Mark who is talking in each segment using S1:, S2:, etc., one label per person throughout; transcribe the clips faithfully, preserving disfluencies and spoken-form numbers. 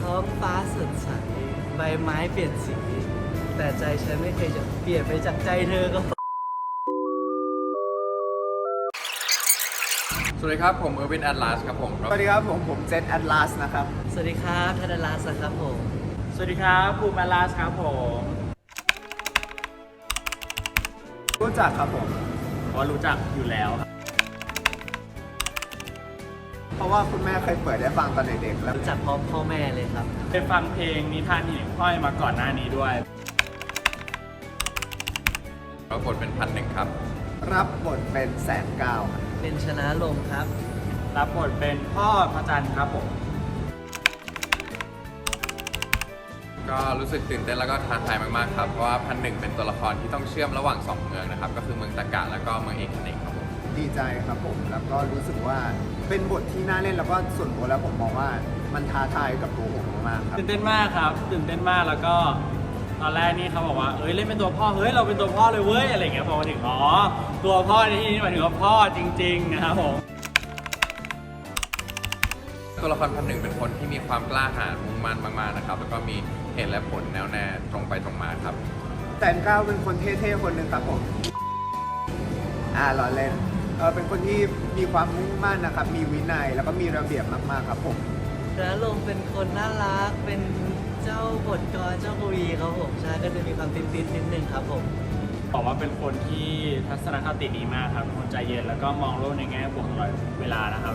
S1: ท้องฟ้าสดใสใบไม้เปลี่ยนสี แต่ใจฉันไม่เคยจะเปลี่ยนไปจากใจเธอก็
S2: สวัสดีครับผมเออร์วินแอตลาสครับผม
S3: สวัสดีครับผมผมเจษแอตลาสนะครับ
S1: สวัสดีครับธนรัตน์ครับผม
S4: สวัสดีครับภูมิแอตลาสครับผม
S3: รู้จักครับผม
S4: เพราะรู้จักอยู่แล้วครับ
S3: เพราะว่าคุณแม่เคยเปิดได้ฟังตอนเด็กๆแล้ว
S1: รู้จักพร้อมพ่อแม่เลยครับ
S4: เคยฟังเพลงนิทานหิ่งห้อยมาก่อนหน้านี้ด้วย
S2: รับบทเป็นพันหนึ่งครับ
S3: รับบทเป็นแสนเก้าครับ
S1: เป็นชนะลมครับ
S4: รับบทเป็นพ่อพระจันทร์ครับผม
S2: ก็รู้สึกตื่นเต้นแล้วก็ท้าทายมากๆครับเพราะว่าพันหนึ่งเป็นตัวละครที่ต้องเชื่อมระหว่างสองเมืองนะครับก็คือเมืองตะกะแล้วก็เมืองเอกเนกครับผม
S3: ดีใจครับผมแล้วก็รู้สึกว่าเป็นบทที่น่าเล่นแล้วก็ส่วนตัวแล้วผมมองว่ามันท้าทายกับตัวผมมากๆครับ
S4: ตื่นเต้นมากครับ ตื่นเต้นมากแล้วก็ตอนแรกนี่เขาบอกว่าเอ้ยเล่นเป็นตัวพ่อเฮ้ยเราเป็นตัวพ่อเลยเว้ยอะไรอย่างเงี้ยพอมาถึงอ๋อตัวพ่อในที่นี้หมายถึงว่าพ่อจริงๆนะครับผม
S2: ตัวละครพันหนึ่งเป็นคนที่มีความกล้าหาญมุ่งมั่นมากๆนะครับแล้วก็มีเหตุและผลแน่วแน่ตรงไปตรงมาครับ
S3: แสนเก้าเป็นคนเท่ๆคนหนึ่งครับผมอ่าล้อเล่นเออเป็นคนที่มีความมุ่งมั่นนะครับมีวินัยแล้วก็มีระเบียบมากๆครับผม
S1: ชนะลมเป็นคนน่ารัก เป็นเจ้าบทกรเจ้ากวีครับผมใช่ก็จะมีความติดๆนิดนึงครับผม
S4: บอกว่าเป็นคนที่ทัศนคติดีมากครับเป็นคนใจเย็นแล้วก็มองโลกในแง่บวกตลอดเวลานะครับ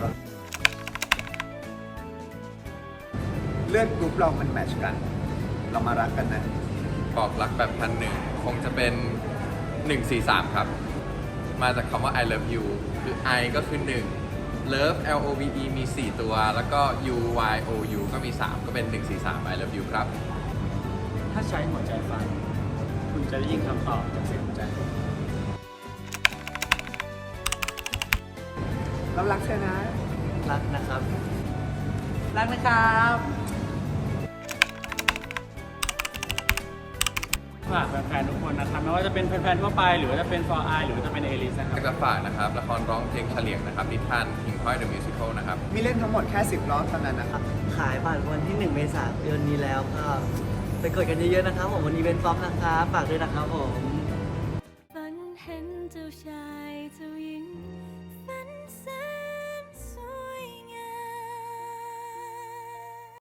S3: เลือดกรุ๊ปเรามันแมทช์กัน เรามารักกันนะ
S2: บอกรักแบบพันหนึ่งคงจะเป็นหนึ่ง สี่ สามครับมาจากคำว่า I love you คือ I ก็คือหนึ่ง love L O V E มีสี่ตัว แล้วก็ U Y O U ก็มีสามก็เป็นหนึ่ง สี่ สาม I love you ครับ
S4: ถ้าใช้หัวใจฟังคุณจะได้ยินคำตอบจากเสียงหัวใจ
S3: เรารักเธอนะ
S1: รักนะครับ
S4: รักนะครับฝากแฟนๆทุกคนนะครับไม่ว่าจะเป็นแฟนๆทั่วไปหรือว่าจะเป็น for I หรือว่าจะเป็นเอลิสนะค
S2: อ
S4: รับ
S2: ยากจะฝากนะครับละครร้องเพลงเฉลียงนะครับนิทานหิ่งห้อย The Musical นะครับ
S3: มีเล่นทั้งหมดแค่สิบรอบเท่านั้นนะครับ
S1: ขายบัตรวันที่หนึ่งเมษายนนี้แล้วก็ไปกดกันเยอะๆนะครับผมวันนี้เป็นฟ็อกนะครับฝากด้วยนะครับผม
S5: ฝันเห็นเจ้าช